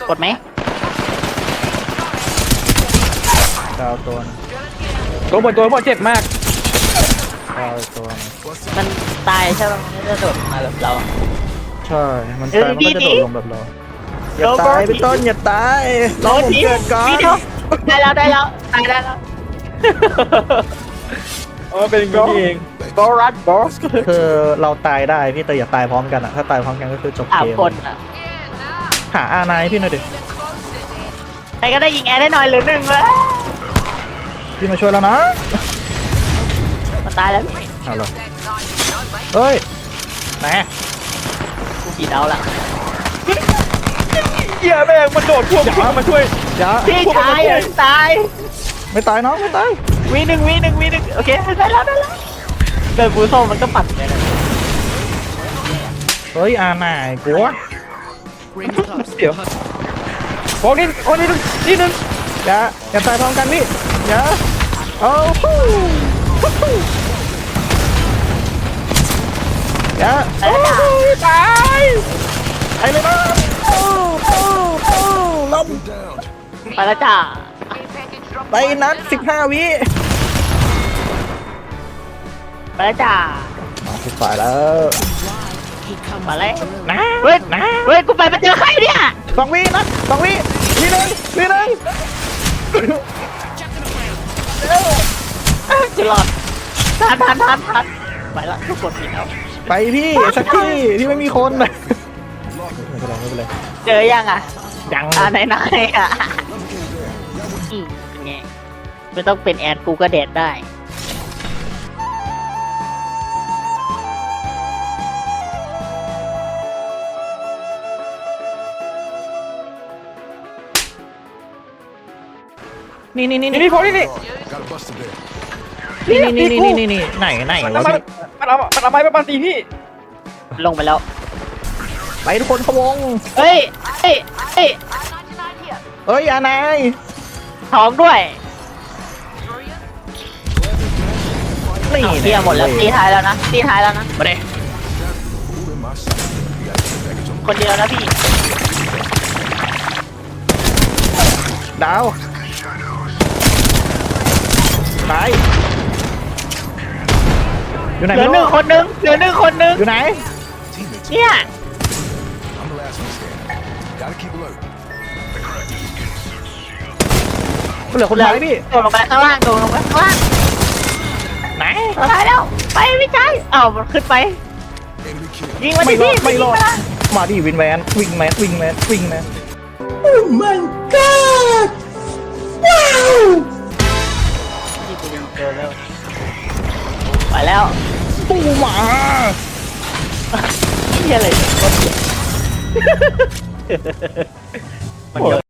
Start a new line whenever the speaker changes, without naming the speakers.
กดไหม
ดาวตัวนึง
ตัวบนเจ็บมาก
ดาวตัวนึง
มันตายใช่ไหมมันไม่ได้โดดมาแบบเรา
ใช่มันตายมันก็จะโดดลงแบบเราอย่าตายพี่ต้นอย่าตายรอผมเกิดก่อน
พี่เดียวได้แล้วตายได้แล้ว
เป็นอย่างนี้เอง
บอรัสบอส
คือเราตายได้พี่แต่อย่าตายพร้อมกันอะถ้าตายพร้อมกันก็คือจบ
สาม
เกม
คนอ่ะ
หาอาร์ไนพี่หน่อยดิ
ใครก็ได้ยิงแอร์ได้หน่อยหรือหนึ่งเลย
พี่มาช่วยแล้วนะ
มันตายแล้ว
เอาเหรอเฮ้ยไหน
กูกี่ดาวละ
เหี้ยแม่งมันโดดพวกพี่มาช่วย
อย่า
พี่ชายตาย
ไม่ตายน้องไม่ตาย
วีหนึ่งโอเคได้แล้วเดินฟูโซมันก็ปั่นเลยนะ
เฮ้ยอาร์ไนกลัว
เดี๋ยวโอ้นี่นี่นึง
อย่าตายพร้อมกันพี่อย่าเอาฮู้อย่า
ไปแล้วจ้า
ตายไปเลยนะล้ม
ไปแล้วจ้า
ไปนัด15 วิ
ไปแล้วจ้า
ถูกฝ่ายแล้ว
มาเลย
นะ
เฮ้ย
นะ
เฮ้ยกูไปเจอใครเนี่ย
2 วินัด2 วิวิหนึ่ง
จะหลอดทันไปละทุกคนผิดแล้ว
ไปพี่สักที่ที่ไม่มีคนไม่เป็นไร
เจอยังอ่ะ
ยัง
ไหนอ่ะเป็นไงไม่ต้องเป็นแอดกูก็เด็ดได้
นี่
นี่พอนี่ไหน
ไหน
มัน
วะ
เอาไม้มาตีพี่
ลงไปแล้ว
ไปทุกคนขวง
เฮ้ย
เอ้ยอานาย
ท้องด้วย
นี่
เอาเทียหมดแล้วตีท้ายแล้วนะมาเลยคนเดียวนะพี่
ดาวตายอยู่ไหน
เหลือหนึ่งคนนึง
อยู่ไหน
เนี่ย
เหลือคนท้ายพี่
โดดลงไปข้างล่าง
ไหน
ตายแล้วไปไม่ใช่อ้าวมันขึ้นไปยิงมัน
ไม่
ดิ
รอ
พี่
ดไม่รอด
ยิงนละ
มาดิวิงแมน
นี่กูยิงเจอแล้วไปแล้ว
ตู้หมา
นี่อะไรเนี่ยมัน